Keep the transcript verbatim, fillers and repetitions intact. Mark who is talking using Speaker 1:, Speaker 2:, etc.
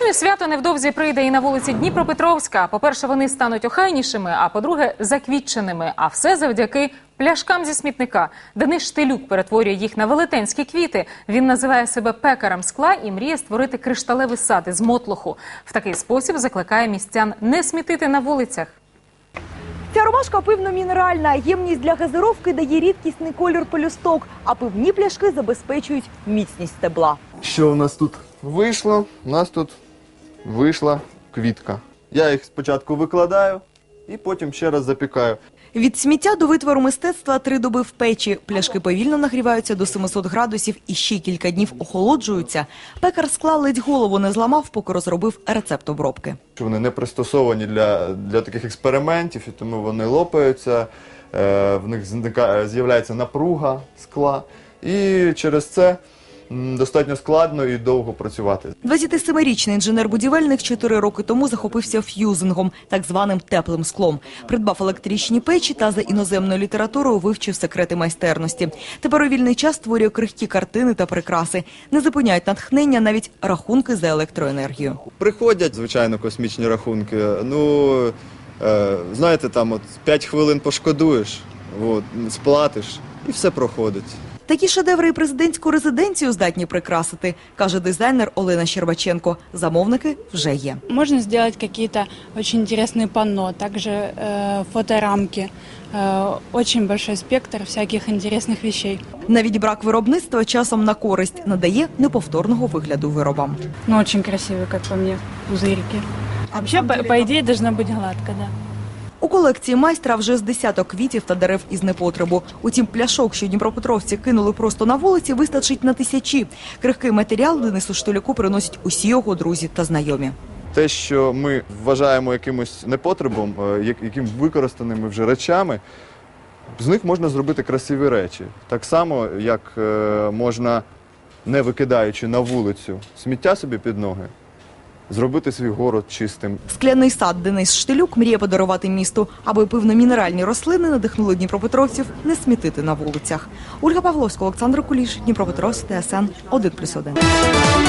Speaker 1: Єдине свято невдовзі прийде і на вулиці Дніпропетровська. По-перше, вони стануть охайнішими, а по-друге, заквітченими. А все завдяки пляшкам зі смітника. Денис Штилюк перетворює їх на велетенські квіти. Він називає себе пекарем скла і мріє створити кришталевий сад із мотлоху. В такий спосіб закликає містян не смітити на вулицях.
Speaker 2: Ця ромашка пивно-мінеральна. Ємність для газировки дає рідкісний колір пелюсток, а пивні пляшки забезпечують міцність стебла.
Speaker 3: Що у нас тут вийшло? У нас тут вийшла квітка. Я їх спочатку викладаю і потім ще раз запікаю.
Speaker 2: Від сміття до витвору мистецтва три доби в печі. Пляшки повільно нагріваються до семисот градусів і ще кілька днів охолоджуються. Пекар скла ледь голову не зламав, поки розробив рецепт обробки.
Speaker 3: Вони не пристосовані для, для таких експериментів, і тому вони лопаються, е, в них з'являється напруга скла. І через це достатньо складно і довго працювати.
Speaker 2: двадцятисемирічний інженер-будівельник чотири роки тому захопився ф'юзингом, так званим теплим склом. Придбав електричні печі та за іноземною літературою вивчив секрети майстерності. Тепер у вільний час створює крихкі картини та прикраси. Не зупиняють натхнення навіть рахунки за електроенергію.
Speaker 3: Приходять, звичайно, космічні рахунки. Ну, е, знаєте, там от п'ять хвилин пошкодуєш, от, сплатиш і все проходить.
Speaker 2: Такі шедеври і президентську резиденцію здатні прикрасити, каже дизайнер Олена Щербаченко. Замовники вже є.
Speaker 4: Можна зробити якісь дуже цікаві панно, також э, фоторамки. Э, дуже великий спектр всяких цікавих речей.
Speaker 2: Навіть брак виробництва часом на користь надає неповторного вигляду виробам.
Speaker 4: Ну, дуже красиві, як по мені, пузирки. Взагалі, по, по ідеї, має бути гладко, да.
Speaker 2: У колекції майстра вже з десяток квітів та дерев із непотребу. Утім, пляшок, що дніпропетровці кинули просто на вулиці, вистачить на тисячі. Крихкий матеріал Денису Штилюку приносять усі його друзі та знайомі.
Speaker 3: Те, що ми вважаємо якимось непотребом, яким використаними вже речами, з них можна зробити красиві речі. Так само, як можна, не викидаючи на вулицю сміття собі під ноги, зробити свій город чистим.
Speaker 2: Скляний сад Денис Штилюк мріє подарувати місту, аби пивно-мінеральні рослини надихнули дніпропетровців не смітити на вулицях. Ольга Павловська, Олександр Куліш, Дніпропетровськ, Т С Н один плюс один.